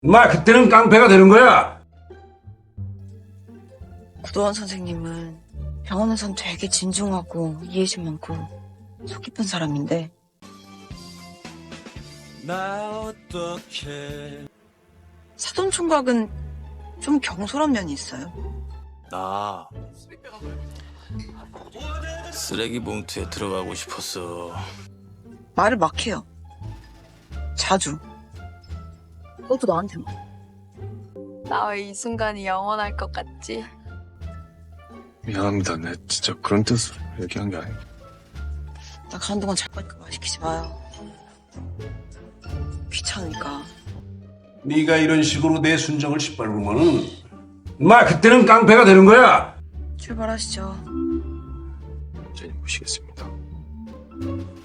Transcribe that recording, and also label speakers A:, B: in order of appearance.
A: 그때는 깡패가 되는 거야.
B: 구도원 선생님은 병원에선 되게 진중하고 이해심 많고 속 깊은 사람인데
C: 나 어떻게
B: 사돈 총각은 좀 경솔한 면이 있어요.
C: 나 쓰레기 봉투에 들어가고 싶었어.
B: 말을 막 해요. 자주. 그것도 나한테만.
D: 나 왜 이 순간이 영원할 것 같지?
E: 미안합니다. 내 진짜 그런 뜻으로 얘기한 게 아니고.
B: 나 가는 동안 잘 거니까 말 시키지 마요. 귀찮으니까.
A: 네가 이런 식으로 내 순정을 짓밟으면은 그때는 깡패가 되는 거야.
B: 출발하시죠.
E: 저희 모시겠습니다.